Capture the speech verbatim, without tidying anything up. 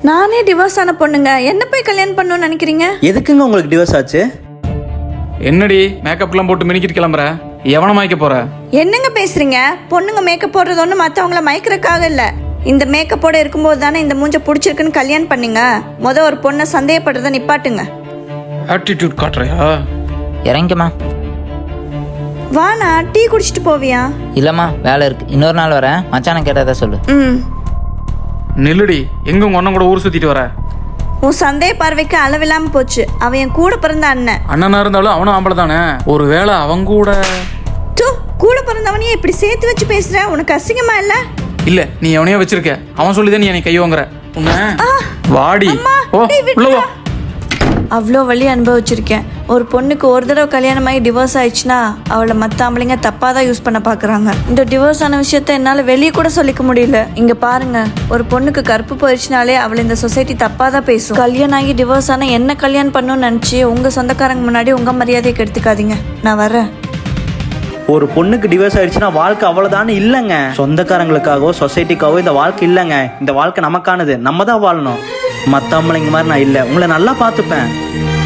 நானே டிவோர்ஸ் ஆன பொண்ணுங்க, என்ன போய் கல்யாணம் பண்ணணும்னு நினைக்கிறீங்க? எதுக்குங்க உங்களுக்கு டிவோர்ஸ் ஆச்சு? என்னடி மேக்கப்லாம் போட்டு மினிக்கிட்டு கிளம்புற? எவனை மயக்க போற? என்னங்க பேசுறீங்க? பொண்ணுங்க மேக்கப் போடுறது ஒண்ணு மத்தவங்கள மயக்கிறதுக்காக இல்ல. இந்த மேக்கப்போட இருக்கும்போது தானே இந்த மூஞ்ச பிடிச்சிருக்குன்னு கல்யாணம் பண்ணீங்க. முத ஒரு பொண்ணை சந்தேகப்படுறத நிப்பாட்டுங்க. ஆட்டிடியூட் காட்டுறியா? இறங்கிக்கம்மா. வாண்ணா, டீ குடிச்சிட்டு போவியா? இல்லைம்மா, வேலை இருக்கு, இன்னொரு நாள் வரேன். மச்சானை கேட்டதா சொல்லு. ம். நில்லுடி, எங்க உங்க அண்ணன் கூட ஊர் சுத்திட்டு வர? உன் சந்தேக பார்வைக்கு அளவில்லாம போச்சு. அவன் என் கூட பிறந்த அண்ணன். அண்ணனா இருந்தாலும் அவனும் ஆம்பளை தானே. ஒரு வேளை அவங்க கூட தூ, கூட பிறந்தவனையே இப்படி சேர்த்து வச்சு பேசுற, உனக்கு அசிங்கமா இல்ல? இல்ல, நீ எவனையோ வச்சிருக்க. அவன் சொல்லிதான் நீ என்னை கை வாங்குற. உன்ன வாடி. ஓ, உள்ள வா. அவ்வளோ வழி அனுபவிச்சிருக்கேன். ஒரு பொண்ணுக்கு ஒரு தடவை கல்யாணம் ஆகி டிவோர்ஸ் ஆயிடுச்சுன்னா அவளை மற்ற ஆம்பளைங்க தப்பாக தான் யூஸ் பண்ண பார்க்குறாங்க. இந்த டிவோர்ஸ் ஆன விஷயத்த என்னால் வெளியே கூட சொல்லிக்க முடியல. இங்கே பாருங்க, ஒரு பொண்ணுக்கு கருப்பு போயிடுச்சுனாலே அவளை இந்த சொசைட்டி தப்பாக தான் பேசும். கல்யாணம் ஆகி டிவோர்ஸ் ஆனால் என்ன கல்யாணம் பண்ணணும்னு நினச்சி உங்கள் சொந்தக்காரங்க முன்னாடி உங்கள் மரியாதையை கெடுத்துக்காதீங்க. நான் வரேன். ஒரு பொண்ணுக்கு டிவோர்ஸ் ஆயிடுச்சுன்னா வாழ்க்கை அவ்வளவுதானே இல்லைங்க. சொந்தக்காரங்களுக்காகவோ சொசைட்டிக்காகவோ இந்த வாழ்க்கை இல்லைங்க. இந்த வாழ்க்கை நமக்கானது, நம்ம தான் வாழணும். மற்ற ஆம்பளைங்க மாதிரி நான் இல்லை. உங்களை நல்லா பார்த்துப்பேன்.